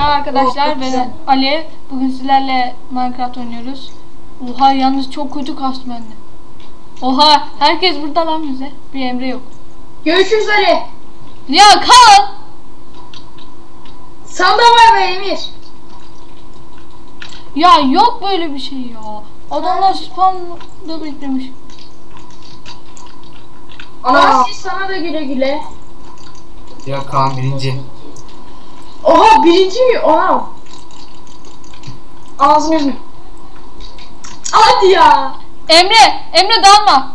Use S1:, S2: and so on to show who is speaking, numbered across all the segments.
S1: Merhaba arkadaşlar, ben Ali. Bugün sizlerle Minecraft oynuyoruz. Oha, yalnız çok kötü kastım bende. Oha, herkes burada lan bize. Bir Emre yok.
S2: Görüşürüz Ali.
S1: Ya kal.
S2: Sana da var be Emir.
S1: Ya yok böyle bir şey ya. Adamlar spawn'da beklemiş.
S2: Ana sana da güle güle.
S3: Ya Kaan birinci.
S2: Oha birinci mi? Oha. Ağzını yüzünü. Hadi ya.
S1: Emre dalma.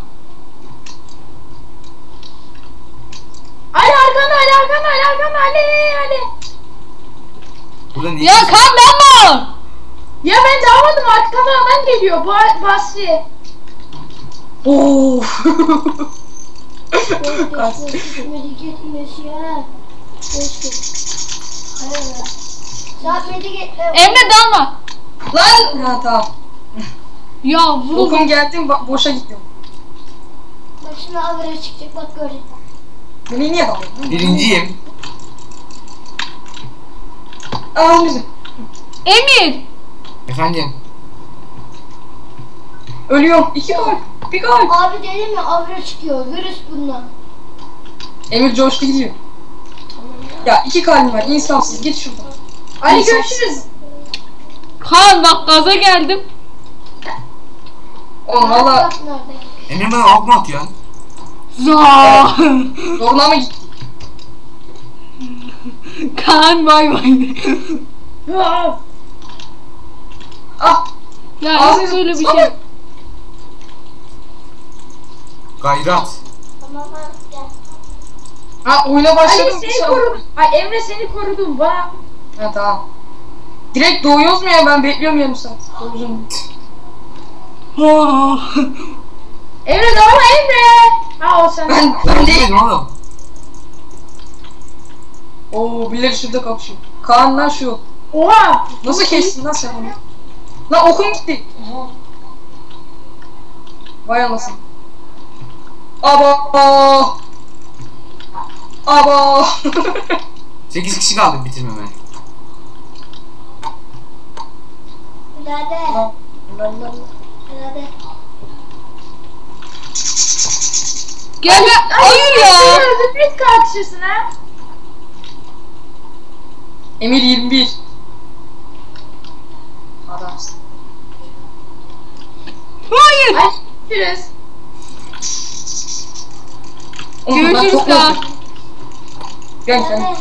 S2: Ali arkanda Ali.
S3: Burada niye?
S1: Ya kan dalma.
S2: Ya ben dalmadım, arkadan adam geliyor. Basri. Of.
S1: Emre dalma.
S2: Lan. Ha tamam.
S1: Ya vurun.
S2: Okum geldim, boşa gittim.
S4: Bak şimdi avara çıkacak, bak görecek.
S2: Beni niye daldın?
S3: Birinciyim.
S2: Ağzını.
S1: Emir.
S3: Efendim.
S2: Ölüyorum. 2 gol. 1 gol.
S4: Abi dedim ya, avara çıkıyor, virüs bundan.
S2: Emir coştu gidiyor. Ya 2 kalbim var, insansız, git şuradan. Ali görüşürüz.
S1: Kan bak, gaza geldim.
S2: Oğlum valla
S4: Bak nerede?
S3: Emre bana ok mu atıyorsun?
S1: Za.
S2: zoruna mı gitti?
S1: Kan bay bay.
S2: Ah.
S1: Ya
S2: Ağzını
S1: yok böyle bir
S2: sana-
S1: şey.
S3: Gayrat.
S4: Tamam abi gel.
S2: Ha oyuna başladım.
S5: Ali seni korudum. Ay Emre seni korudum bana.
S2: Ha tamam. Direkt doğuyoruz mu ya, ben bekliyorum yarım saat. Doğuyorum.
S1: Ah.
S5: Emre dalma Emre. Ha o sen.
S2: Ben değil.
S3: Dedim oğlum.
S2: Oo birileri şurada kapışıyor. Kaan lan şu.
S5: Oha.
S2: Nasıl kestin lan sen onu? Lan okum gitti. Oha. Vay anasını. Aba.
S3: 8 kişi kaldı bitirmeme.
S4: Hadi. Hadi.
S1: Gel gel. Hayır ya.
S5: Zıplit kalkışırsın ha.
S2: Emir 21. Adamsın.
S1: Hayır.
S5: Ay görüşürüz.
S2: Oğlum, ben
S1: Görüşürüz
S2: çok
S1: Kaan.
S2: mutluyum. Gel
S4: Hadi.
S2: gel.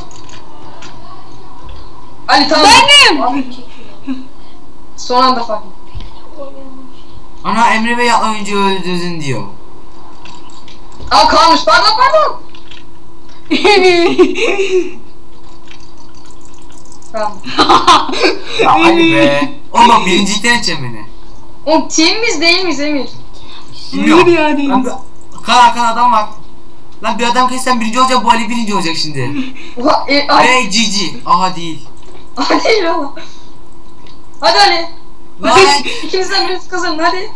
S2: Ali tamam.
S1: Benim.
S2: Son anda fark ettim.
S3: Ana Emre Bey oyuncu öldürdün diyor.
S2: Aa kalmış, pardon. Tamam.
S3: Ya Ali be. Oğlum birincilikten edeceğim beni.
S2: Oğlum team miyiz değil miyiz Emir?
S3: Bilmiyorum.
S1: Hayır ya, değil.
S3: Lan Kaan arkada adam var. Lan bir adam kessen birinci olacak, bu Ali birinci olacak şimdi.
S2: Oha Ali.
S3: Hey GG. Aha değil.
S2: Değil ama. Hadi Ali.
S3: Lan
S2: İkimizden birisi kazanın hadi.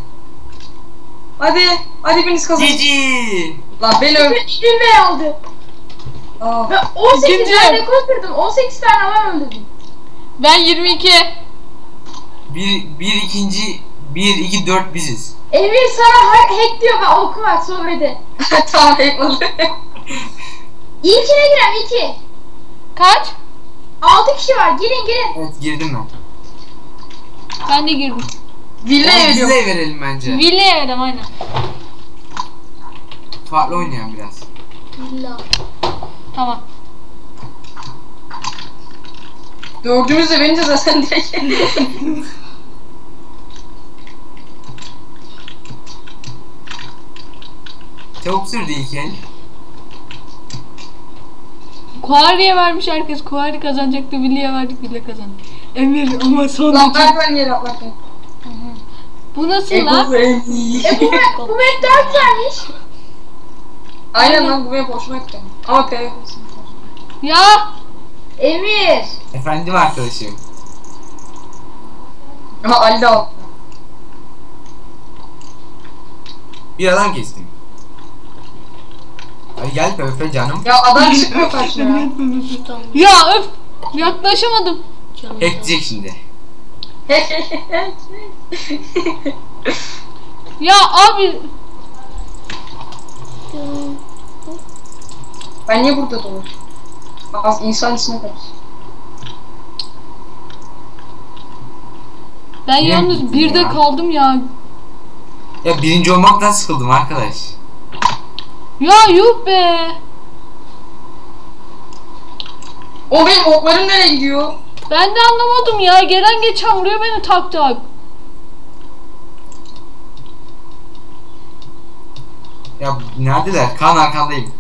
S2: Hadi biriniz kazanın.
S3: GG.
S2: Lan beni
S5: Emre aldı.
S2: Aa.
S5: Ben 18
S1: İkinci.
S5: tane rekor kırdım. 18 tane adam öldürdüm.
S1: Ben 22.
S3: Bir ikinci 1 2 4 biziz.
S5: Emir sana hack diyor, ben oku var sohbeti.
S2: Tamam eyvallah.
S5: İlkine girem 2.
S1: Kaç?
S5: 6 kişi var, girin.
S3: Evet girdim ben.
S1: Ben de girdim.
S2: Villa'ya
S3: Bize
S2: veriyorum.
S3: verelim bence.
S1: Villa'ya verdim aynen.
S3: Farklı oynayan biraz.
S4: Villa.
S1: Tamam.
S2: Dördümüz de verince zaten direkt.
S3: Çabuk sürdü ilk el.
S1: Kuari'ye vermiş herkes. Kuari kazanacaktı. Villa'ya verdik. Villa kazandı. Emir ama son
S2: Lan
S1: iki.
S2: ben yere atlarken.
S1: Bu nasıl lan?
S5: Bu map daha güzelmiş.
S2: Aynen lan bu benim hoşuma gitti. Ama PvP.
S1: Ya.
S5: Emir.
S3: Efendim arkadaşım.
S2: Aha Ali de al.
S3: Bir adam kestim. Hadi gel PvP canım.
S2: Ya adam çıkmıyor karşına ya.
S1: Ya öf. Yaklaşamadım.
S3: Hackleyecek şimdi.
S1: Ya abi.
S2: Ben niye burada dolaşıyorum? Az insan içine karış.
S1: Ben
S3: Niye
S1: yalnız
S3: buldun
S1: birde
S3: ya?
S1: kaldım ya.
S3: Ya birinci olmaktan sıkıldım arkadaş.
S1: Ya yuh be.
S2: O benim oklarım nereye gidiyor?
S1: Ben de anlamadım ya. Gelen geçen vuruyor beni tak tak.
S3: Ya neredeler? Kaan arkandayım.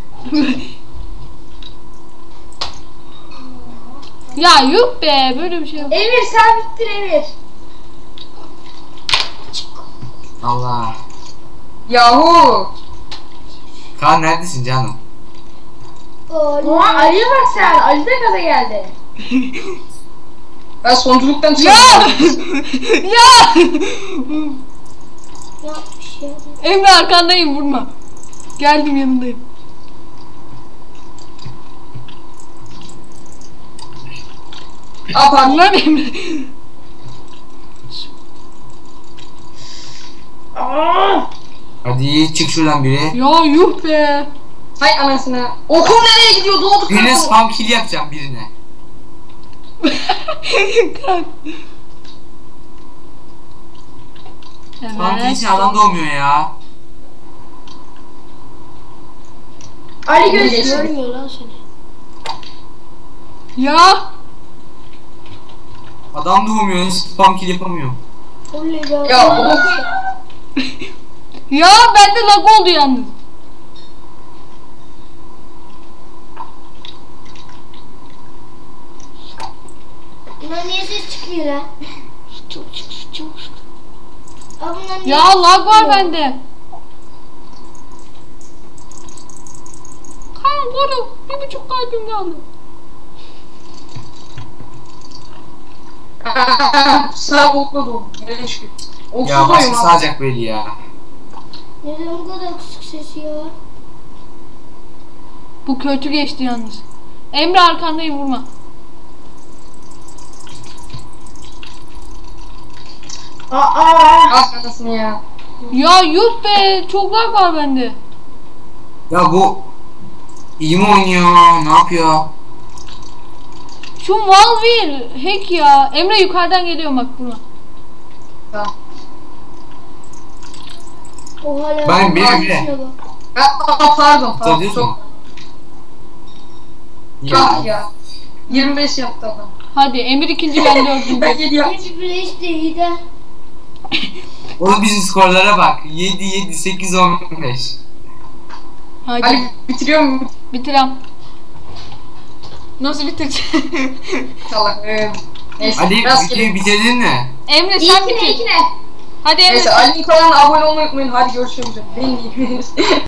S1: Ya yuh be. Böyle bir şey yok.
S5: Emir sen bittin Emir.
S3: Allah.
S2: Yahu.
S3: Kaan neredesin canım?
S5: Oha Ali'ye bak sen. Ali de gaza geldi.
S2: Ben sonculuktan
S1: Ya!
S2: çıkıyorum.
S1: Ya!
S4: Yapmış ya.
S1: Emre arkandayım vurma. Geldim yanındayım.
S2: Aa pardon.
S1: Lan Emre.
S5: Aa!
S3: Hadi çık şuradan biri.
S1: Ya yuh be.
S2: Hay anasını. Okum nereye gidiyor? Doğdu
S3: Birine
S2: kırmızı.
S3: spam kill yapacağım birine. Spam kill için adam doğmuyor ya.
S5: Ali göz.
S4: Görmüyor lan seni.
S1: Ya.
S3: Adam doğmuyor, spam kill yapamıyor.
S4: Oley be.
S2: Ya okum.
S1: Ya bende lag oldu yalnız.
S4: Bunlar niye ses çıkıyor lan? Aa, bunlar niye
S1: Ya
S4: ses
S1: lag var
S4: çıkıyor?
S1: bende. Kan vurun. 1,5 kalbim kaldı.
S2: Sağ okla doğdu. Nereye çıkıyor? Oksuz
S3: Ya
S2: oyun
S3: başka
S2: abi.
S3: sağacak belli ya.
S4: Neden bu kadar kısık sesi ya?
S1: Bu kötü geçti yalnız. Emre arkandayım vurma.
S5: Aa!
S2: Ah anasını ya.
S1: Ya yuh be. Çok lag var bende.
S3: Ya bu iyi mi oynuyor? Ne yapıyor?
S1: Şu Malvin hack ya. Emre yukarıdan geliyor bak vurma.
S2: Tamam.
S4: O hala
S3: Ben bir
S4: ağzına
S3: Emre.
S4: bak.
S2: Aa pardon.
S3: Tanıyorsun mu?
S2: Çok ya. 25 yaptı adam.
S1: Hadi Emir ikinci ben dördüncü.
S2: Ben 7 yaptım.
S4: Hiç bile hiç de iyi de.
S3: Oğlum bizim skorlara bak. 7, 7, 8, 15.
S1: Hadi
S2: Ali bitiriyor mu?
S1: bitirem. Nasıl bitireceğim?
S2: İnşallah. Neyse.
S3: Ali
S2: rastgele.
S3: videoyu bitirdin mi?
S1: Emre sen
S5: İlkine
S1: bitir.
S5: ilkine.
S1: Hadi Emre.
S2: Neyse Ali'nin kanalına abone olmayı unutmayın. Hadi görüşürüz. Beni